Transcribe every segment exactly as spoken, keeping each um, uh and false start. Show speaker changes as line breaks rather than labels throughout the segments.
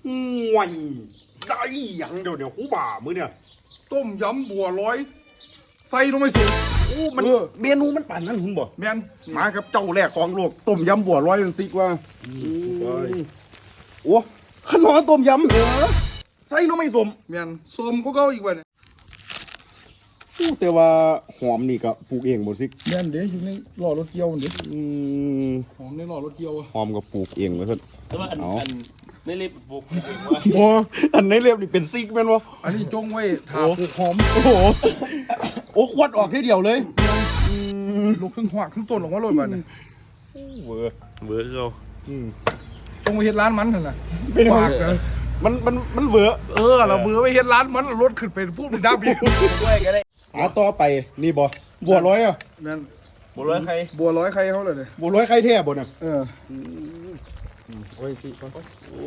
ห่วยได้ยังเดี๋ยวเดี๋ยวคู่บ่ามือเนี่ย
ต้มยำบัวลอยใส่ลงไปสุด
โอ้มันเมนูมันป่านนั้นคุณบอก
แมนมาครับเจ้าแรกของโลกต้มยำบัวลอยมันซิกว่า
โอ้ขนมต้มยำเหรอใส่ลงไม่สม
แมนสมก็เก้าอีกวันเนี่ย
แต่ว่าหอมนี่ก็ปลูกเองหมดสิ
แมนเดี๋ยวอยู่ในหล่อรถเกียวเดี๋ยวหอมในหล่อรถเกียว
หอมก็ปลูกเองเลยครับ
แต่ว่าอันอันไม่เรียบปลูก
โอ้อันในเรียบนี่เป็นซิกแม่นวะ
อันนี้จงไว้ถาปลูกหอม
โอ้โหโอ้ควัดออกทีเดียวเลย
ลูกครึ่งหัวครึ่งต้นออกมาเลยบ้านเนี่ย
เบอร์
เบอร์เขา
จงไปเฮ็ดร้านมันเถอะนะ
เป็นปากมันมันมันเบอร์
เออเราเบอร์ไปเฮ็ดร้านมันรถขึ้นไปพูดเป็นดับอีก
ด้วยกันเลย
หาต่อไปนี่บ่บัวร้อยอ่ะ
นั่น
บัวร้อยใคร
บัวร้อยใครเขาเลยเนี่ย
บัวร้อยใครแท้บ่น่ะ
เออ
โอ้ยสิโอ้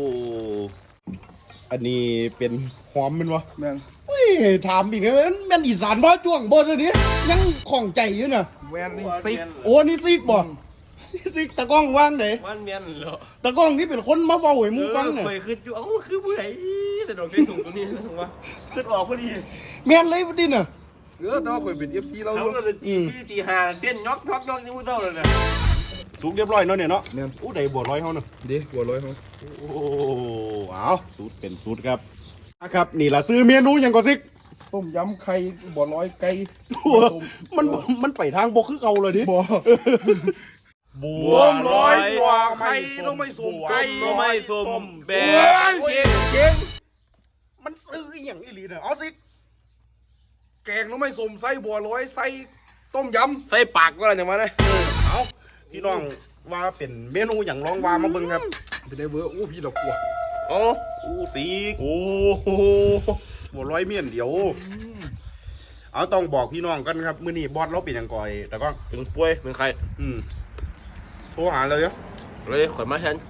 อันนี้เป็นหอมมันวะ
แม่น
เฮ้ยถามอีกเลยแม่นอีสานบ่จ้วงบ่เดี๋ยวนี้ยังของใจอยู่น่ะ
แม่นนี่ซิก
โอ้นี่ซิกบ่ซิกตะก้องว่างไหน
ว่านแม่นเหรอ
ตะก้องนี่เป็นคนมาเว้าให้มูฟัง
เนี่ยเคยขึ้นอยู่เอ้าคือผู้ใดแต่ดอกใส่ถุงตรงนี้นะว่าขึ้นออกพอดี
แม่นเลยดิน่ะ
เออแต่ว่าเคยเป็น เอฟ ซี เรา
เขาก็เลยตีพี่ตีหาเต้นยอกยอกยอกนี่มูเต้าเลยเนี่ย
สูงเรียบร้อยเนาะเนี่ยเนาะอู้ได้บัวร้อยเฮาเนาะ
ดิบัวร้อยเฮา
โอ้เอาสูตรเป็นสูตรครับครับนี่ล่ะซื้อเมนูหยังก็ซิก
ต้มยำไข่บัวร้อยไก่
มันมันไปทางบ่คือเก่าเลยดิ
บ่บัวร้อยบัวไข่ต้องไม่สุ่มไก่
ต้องไม่สุ่มแบง
เก่งเก่ง
มันซื้ออย่างอีหลีเนี่ยเอาซิ
แกงต้องไม่สุ่มใส่บัวร้อยใส่ต้มย
ำใส่ปากก็อะไรอย่างมาเลย
เอาพี่น้องว่าเป็นเมนูอย่างลองว่ามาเบิ่งครับ
เป็นได้เบอร์อู้พี่ดอกบัว
โอ้อู้สีโอ้โหบัวร้อยเมียนเดียวเอาต้องบอกพี่น้องกันครับมื้อนี้บอสเราเป็นยังก่อยแต่ก็
เป็นป่วยเป็นใคร
อืมโทรหาเลยเนาะ
เลยขอยมาแทน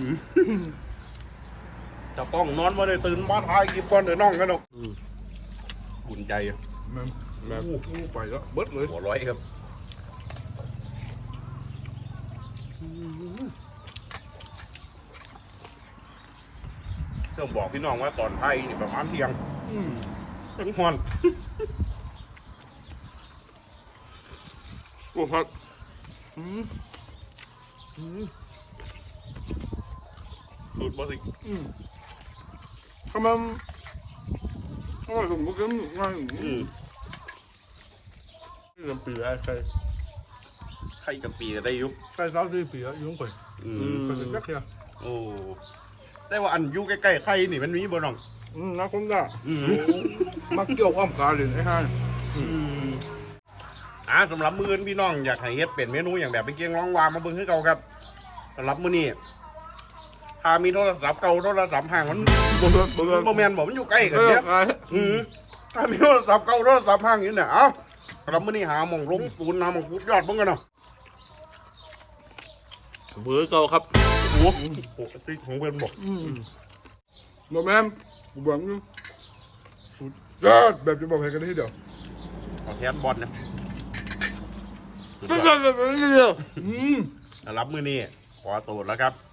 จะต้องนอนมาเลยตื่นมาทายกินก่อนเดี๋ยวน้องกันเนาะอุ่นใจ
แม่แม่อู้ไปแล้วเบิดเลย
หัวร้อยครับต้องบอกพี่น้องว่าตอนไทยนี่ประมาณเที่ยงถึงฮอน
โอ้ครับ
สูตรบอสิ
ทำไมทำไมผมก็กินง่าย
นี่จำปีได้ใคร
ใครจำปีจะได้ยุบ
ใครสาวสี่ปีอะยุ่งไป
อืม
เป็นจักรยาน
โอ้แต่ว่าอันยุ่ใกล้ๆใครนี่มันมีบ่น้อง
อืมนักคงได้มักเกี่ยวอ้อมกาเลยไอ้ห่า
อ่าสำหรับมื้อพี่น้องอยากให้เฮ็ดเป็นเมนูอย่างแบบเป็นเกี๊ยวร้องวามาเบิ่งคือเก่าครับสำหรับมื้อนี้ถ้ามีโทรศัพท์เก่าโทรศัพท์ห่างมันบ่บ่บ่แม่นบ่มันอยู่ใกล้กันเด้ออือถ้ามีโทรศัพท์เก่าโทรศัพท์ห่างอยู่เนี่ยเอ้าสำหรับมื้อนี้หาหม่องลงศูนย์หาหม่องฟุตยอดเบิ่งกันเนาะ
เบอร์เก่าครับ
โอ้โหติ๊กของเพิ่นบ่
อืมบ่แม่นกูบอกอยู่สุดยอดแบบจะบอกให้กันได้เดี๋ยว
เอาแทนบอลนะ
ไม่ใช่แบบนี้เดียว
รับมือนี้ขอตัวแล้วครับ